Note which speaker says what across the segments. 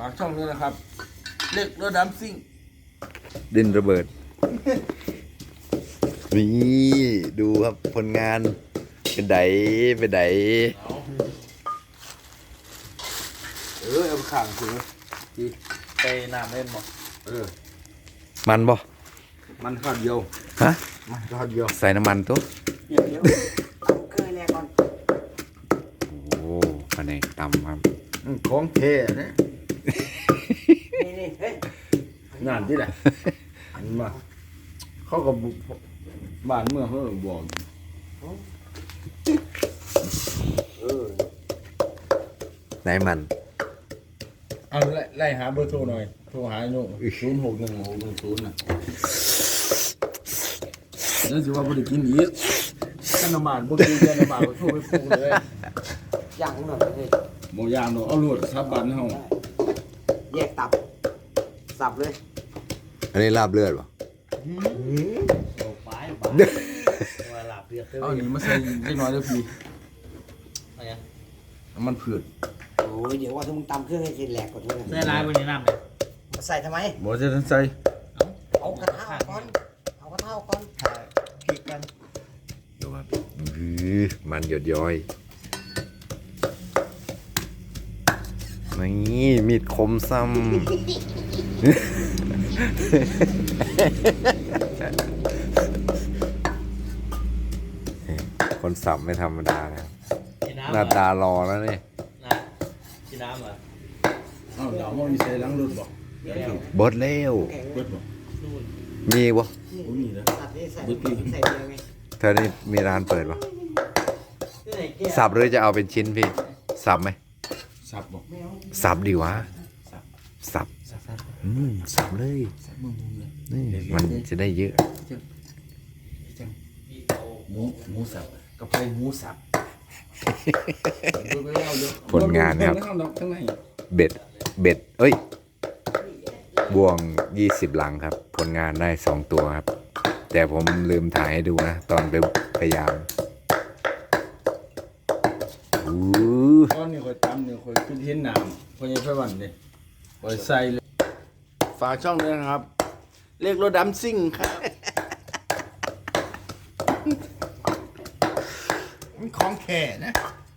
Speaker 1: ากช่องนี้นะครับเล็กรถดำซิ่ง
Speaker 2: ดินระเบิดนี่ดูครับผลงานเป็นได
Speaker 1: เอาข่างถือดีไปน้ำเล่นบ่
Speaker 2: มันบ่
Speaker 1: มันข้าวเดียว
Speaker 2: ฮะ
Speaker 1: มันข้าวเดียว
Speaker 2: ใส่น้ำมันตัว
Speaker 3: เดี๋ยวเคยแรกก่อน
Speaker 2: โอ้อันนี้ตำครับ
Speaker 1: ของแท้นะ
Speaker 3: นี่เฮ้ย
Speaker 1: งานที่ไหนอันมาเขาก็บ้านเมืองเขาบอก
Speaker 2: ไหนมัน
Speaker 1: เอาไล่หาเบอร์โทรหน่อยโทรหาโน่061610น่ะนั่นสิว่าบ่ได้กินอีกกันน้ำมันบ่กินกันน้ำมันก็โทรไปพูดเลย
Speaker 3: อย่างหน่อยเลย
Speaker 1: บ่ยามเนาะเอารถซับบันเฮา
Speaker 3: แยกตับสับเลย
Speaker 2: อันนี้ลาบเลือดป่ะ
Speaker 1: เอานี่มาใส่เล็กน้อยเด้อพี่น้ำมันพืช
Speaker 3: โอ้ยเดี๋ยวว่าถ้ามึงตำเครื่องให้เสร็จแหลกก่อนเลย
Speaker 4: ใส่ลายบนนี้น้ำเลย
Speaker 3: ใส่ทำไม
Speaker 1: บ่จะทันใส่
Speaker 3: เอากระทะก่อนเอากระทะก่อนพริกกัน
Speaker 2: ดูครับมันหยดย้อยนี่มีดคมซ้ำคนสับไม่ธรรมดานะครับ
Speaker 4: กินน้ำ
Speaker 2: หน้าตารอแล้วนี่
Speaker 4: กินน้ำเหรอ
Speaker 1: เอ้าเดี๋ยวมันมีใส่หลังรถบ่
Speaker 2: บดเร็ว
Speaker 3: แข็งเล
Speaker 1: เบิ
Speaker 3: ย
Speaker 1: ดบ่
Speaker 2: มีบ่
Speaker 1: บ่มีนะ
Speaker 3: ตัดนี่ใส่เดียวไง
Speaker 2: เธอนี่มีร้านเปิดป่ะ
Speaker 3: ที่ไหนแก้ว
Speaker 2: สับหรือจะเอาเป็นชิ้นพี่ สับไหม
Speaker 1: สับบ่
Speaker 3: ไม่เอา
Speaker 2: สับดีวะ สับ
Speaker 1: สับ
Speaker 2: สับเลย
Speaker 1: สับมึงเลย
Speaker 2: นี่มันจะได้เยอะ
Speaker 1: หมูสับกับไก่หมูสับ
Speaker 2: ผลงานนะครับ
Speaker 1: ข้างใน
Speaker 2: เบ็ด เอ้ย บ่วง20 หลังครับ ผลงานได้2ตัวครับ แต่ผมลืมถ่ายให้ดูนะ ตอนไปพยายามอู้
Speaker 1: ตอนนี้ค่อยตำเนี่ยค่อยขึ้นเห็นน้ำค่อยยังไฟวันเลยค่อยใส่เลยฝากช่องด้วยนะครับเรียกรถดำซิ่งครับมันของแข่นะ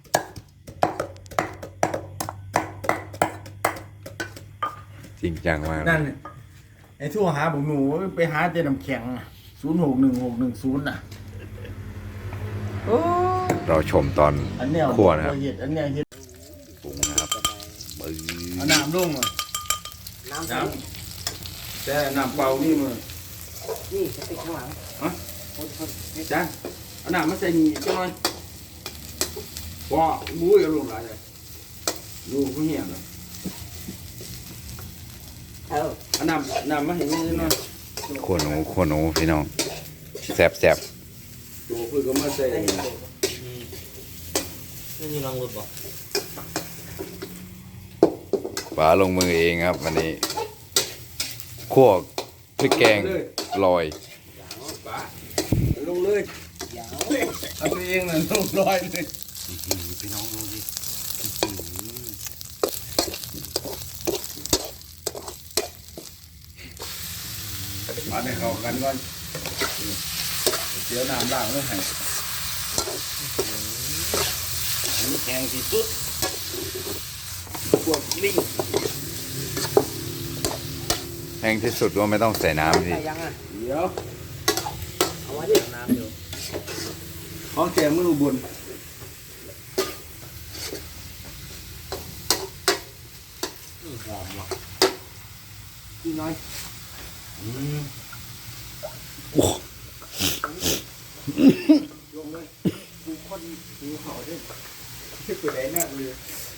Speaker 2: จริงจังมาก
Speaker 1: นั่นไอ้ทั่วหาผมหนูไปหาเจน้ำแข็ง061610น่ะโอ้
Speaker 2: เราชมตอน
Speaker 1: อันเนี้ย
Speaker 2: คั่วนะครับ
Speaker 1: เห็ดอันเนี้ยเห็ด
Speaker 2: ปรุงนะครับปื้
Speaker 1: เอาน้ำลงมา
Speaker 3: น้ำใส่
Speaker 1: น้ำแต่น้ำเปล่านี่มัน
Speaker 3: นี่จะติดข้างหลัง
Speaker 1: ฮะจ้าเอาน้ำมาใส่นี่จังหน่อยว้าบุ้ยเอาลงหลายเลยดูผู้เหี้ยนะ เอาน้ำมาให้แม่หน่อย
Speaker 2: ขัวหนูพี่น้องแสบ
Speaker 1: ตัวเพื่อก็มาใส่
Speaker 4: นี่มีรังรถบ่
Speaker 2: ป๋าลงมือเองครับวันนี้คั่วพริกแกงลอย
Speaker 1: ปะลงเลยเอาตัวเองน่ะลงลอยเลย
Speaker 2: พี่น้องดูสิ
Speaker 1: มาให้เข้ากันก่อนเดี๋ยวน้ำล้างเลยให้แข็งที่สุดพวกลิง
Speaker 2: แห้งที่สุดว่าไม่ต้องใส่น้ำพี่
Speaker 3: ใส่ยังอ่ะ
Speaker 1: เดี๋ยว
Speaker 3: เอาไว้ดิ
Speaker 4: น้ำอยู่
Speaker 1: ของแกมือบุญ
Speaker 4: หอมว่ะ
Speaker 3: อีกน้อย ลงเลยกูคนกูเขาด้วย
Speaker 1: ที่ไปไหนน่ะเลย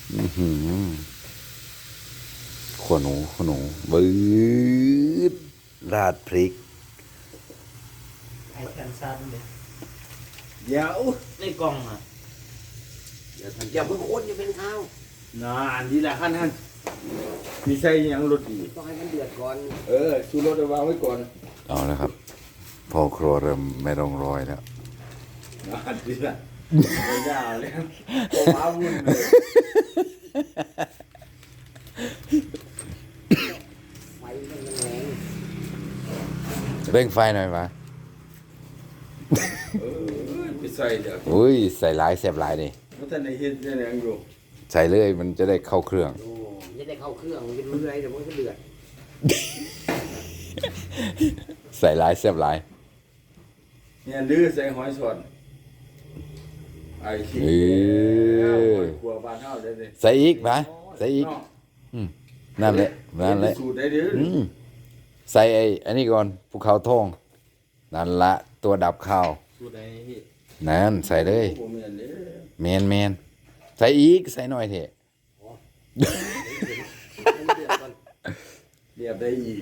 Speaker 2: ขัวหนูบืดราดพริก
Speaker 4: ไอ้แคนซันเลย
Speaker 1: เดี๋ยว
Speaker 4: ในกล่องอ่ะ
Speaker 3: อย่าเพิ่งคนอย่าเป็นข้าวน
Speaker 1: านดีละขั้นมีใส่ยังรถอีก
Speaker 3: ต้องให้มันเดือดก่อน
Speaker 1: ชูรถเอาวางไว้ก่อน
Speaker 2: เอาแล้วครับ พอครัวเริ่มไม่ต้องรอยแล้ว
Speaker 1: นานดีละไม่ยาวแล้วว้าวุ่นเลย
Speaker 3: ไฟมันแรง
Speaker 2: เร่งไฟหน่อยปะ
Speaker 1: ไปใส่เดี๋ยว
Speaker 2: อุ้ยใส่หลายแซ่บหลายดิ
Speaker 1: มันท่านในเฮ็ดได้ยังอยู่
Speaker 2: ใส่เลยมันจะได้เข้าเครื่อง
Speaker 3: โอ้จะได้เข้าเครื่องมันจะเรื่อยเดี๋ยวมันก็เดือด
Speaker 2: ใส่หลายแซ่บหลาย
Speaker 1: เนี่ยดื้อใส่หอยสดไอ้ขี้
Speaker 2: เออ
Speaker 1: ครัวบ้านเฮาได้เลย
Speaker 2: ใส่อีกปะใส่อีก
Speaker 1: เนาะ
Speaker 2: นั่นแหละนั่นแหละ
Speaker 1: สูตรได้เด้อ
Speaker 2: อืมใส่อันนี้ก่อนภูเขาทองนั่นละตัวดับข้าว
Speaker 4: สูตรไหนพี่
Speaker 2: นั่นใส่เลย
Speaker 1: บ่แม่นเด้อ
Speaker 2: แมนใส่อีกใส่หน่อยเถอะ
Speaker 3: มันเดือดก่อน
Speaker 1: เรียบได้อีก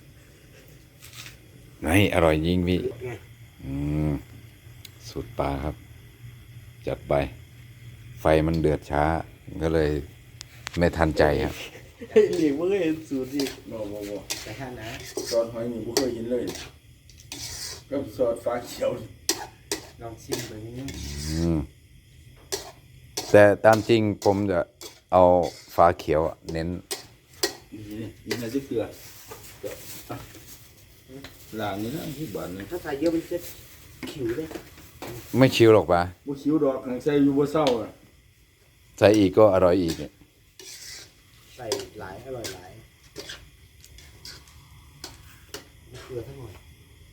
Speaker 2: ไม่อร่อยจริงพี่
Speaker 3: ไง
Speaker 2: อืมสูตรปลาครับ จัดไป ไฟมันเดือดช้า ก็เลยไม่ทันใจครับ
Speaker 1: เฮ้ยนี่บ่เคยเห็นสูตรอีกบ่
Speaker 3: แต่ถ้านะ
Speaker 1: ซอสหอยนี่บ่เคยเห็นเลยกับซอสฟ้าเขียวนี่
Speaker 3: ลองชิมดูนิดนึง
Speaker 2: อืมแต่ตามจริงผมจะเอาฟ้าเขียวอะเน้น
Speaker 1: นี่น่าจะเกลืออ่ะล้างนี่นะที่บ้านนี่
Speaker 3: ถ้าใส่เยอะมันจะขิวเลย
Speaker 2: ไม่ชิวหรอกปะ
Speaker 1: บ่คิวดอกหังใส่อยู่บ่เศร้าอ่ะ
Speaker 2: ใส่อีกก็อร่อยอีกเนี่ย
Speaker 3: ใส่หลายอร่อยหลายเกลือทั้งหมด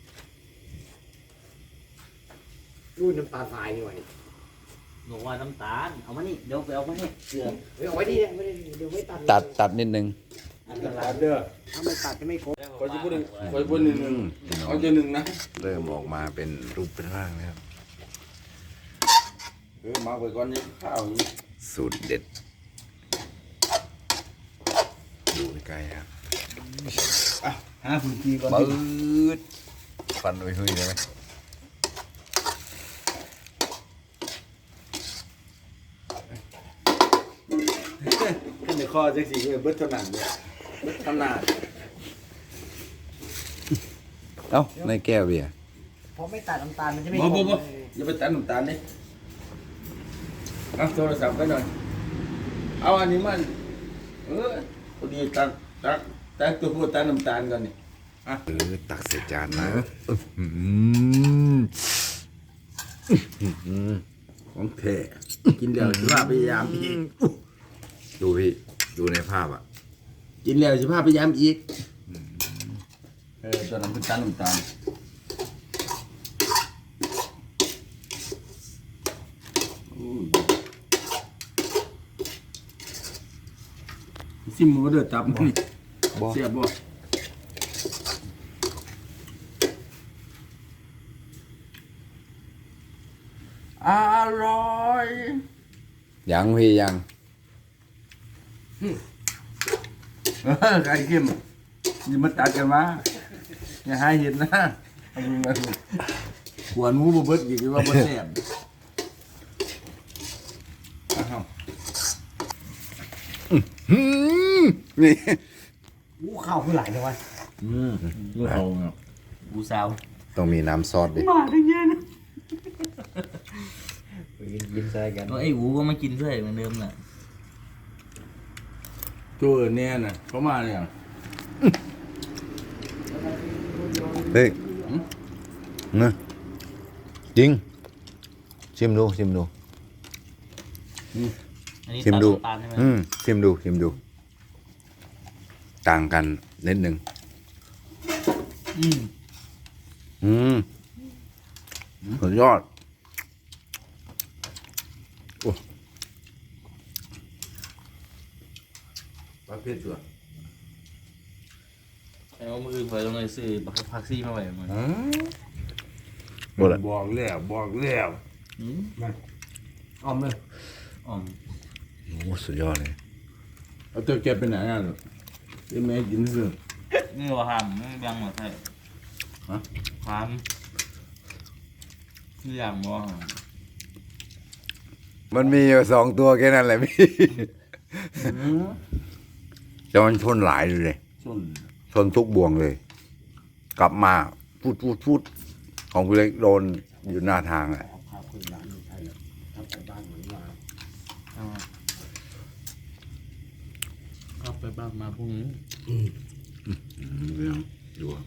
Speaker 3: รูดน้ำตาลทรายนี่หว่า
Speaker 4: บอกว่าน้ำตาลเอามานี่เดี๋ยวไปเอามาให้เกลือ
Speaker 3: เฮ้ยเอาไว้ดีเนี่ยไม่ได้เดี๋ยวไม่ตัด
Speaker 2: ตัดนิดนึง
Speaker 3: อันตรา
Speaker 1: ตั
Speaker 3: ย
Speaker 1: ดเด้อ
Speaker 3: ถ้าไม่ตัดจะไม่ครบ
Speaker 1: ขอจะพูดหนึ่งขอจะพูดหนึ่งเอาจะหนึ่งนะ
Speaker 2: เริ่มออกมาเป็นรูปเป็นร่างแล้ว
Speaker 1: มาไปก่อนนี่ข้าวนี่
Speaker 2: สูตรเด็ด ดูใกล้ๆครับ
Speaker 1: อ่ะหาพื้นที่ก่อน
Speaker 2: ปืดฟันไปหุยได้ไหม
Speaker 1: ขึ้นในคอจังสีเบิดเท่านั้นเนี่ยเบิดขนาด
Speaker 2: เอ้าในแก้วเบียร์
Speaker 3: เพราะไม่ตัดน้ำตาลมันจะไม่
Speaker 1: บ่
Speaker 3: คร
Speaker 1: บ่
Speaker 3: บ
Speaker 1: บ่อย่าไปตัดน้ำตาลนี่เอาโทรศัพท์ไปหน่อยเอาอันนี้มันพอดีตักตัวพูดตัดน้ำตาลก่อนนี่
Speaker 2: ตักใส่จานนะ
Speaker 1: ของแท้กินแล้วสิพาพยายามอีก
Speaker 2: ดูพี่ ดูในภาพอ่ะ
Speaker 1: กินแล้วสิพาพยายามอีกตอนนั้นเป็นตัดน้ำตาลซิมมือเดือดตับนี่
Speaker 2: บ่
Speaker 1: เสียบบ่อร่อย
Speaker 2: ยังพี่ยัง
Speaker 1: ไก่เข้มนี่มาตัดกันมาอย่าให้เห็นนะเอามือมาดูขวานหมูบ่เบิดอีกว่าบ่แซ่บอ้าว
Speaker 2: นี่
Speaker 3: อู้ข้าวคือหลายเลยวะ
Speaker 1: ลูกเอาเนาะ
Speaker 4: บูซาว
Speaker 2: ต้องมีน้ำซอสดิ
Speaker 3: กินใส่กัน
Speaker 4: ตัวไอ้อูก็มากินด้วยเหมือนเดิมน่ะ
Speaker 1: ตัวเนี่ยน่ะเขามาเนี่ย
Speaker 2: เฮ้ยนะจริง ชิมดู
Speaker 4: อันนี้
Speaker 2: ชิม
Speaker 4: ตัด
Speaker 2: ดู
Speaker 4: น้ำตาลใช่ไหม
Speaker 2: ชิมดู ต่างกันนิดหนึ่ง
Speaker 4: อืม
Speaker 2: สุดยอด
Speaker 1: ประเภทตัว
Speaker 4: แต่ว่ามือเผยตรงไหนซื้อพักซี่มาไว้มัน
Speaker 2: หมดละ
Speaker 1: บอกแล้ว
Speaker 4: อืม
Speaker 1: อ้อมเลย
Speaker 4: อ๋อม
Speaker 2: โอ้สุดยอดเลย
Speaker 1: เอาตัวแกไปไหนอ่ะเป็นแม่กินซื่อ
Speaker 4: นี่ว่าห้ามไม่ยังหรอใช่
Speaker 1: ฮะ
Speaker 4: ความคืออย่างบ่ห้าม
Speaker 2: มันมีอยู่2 ตัวแค่นั้นแหละพี่ แต่มันชนหลายเลย
Speaker 1: ส้น
Speaker 2: ชนทุกบ่วงเลย กลับมาพูดของคุณเล็กโดนอยู่หน้าทางอ่ะ
Speaker 3: ข้าวคือหลานใช่เลยทำไปบ้านเหมือนว่า
Speaker 4: เอาครับ
Speaker 1: ไปบ้านมาพรุ่งนี้
Speaker 2: ดูครับ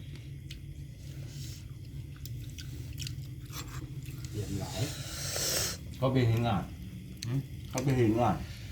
Speaker 3: เรียบร้อย
Speaker 1: เขาไปเห็นงานเขาไปเห็นงาน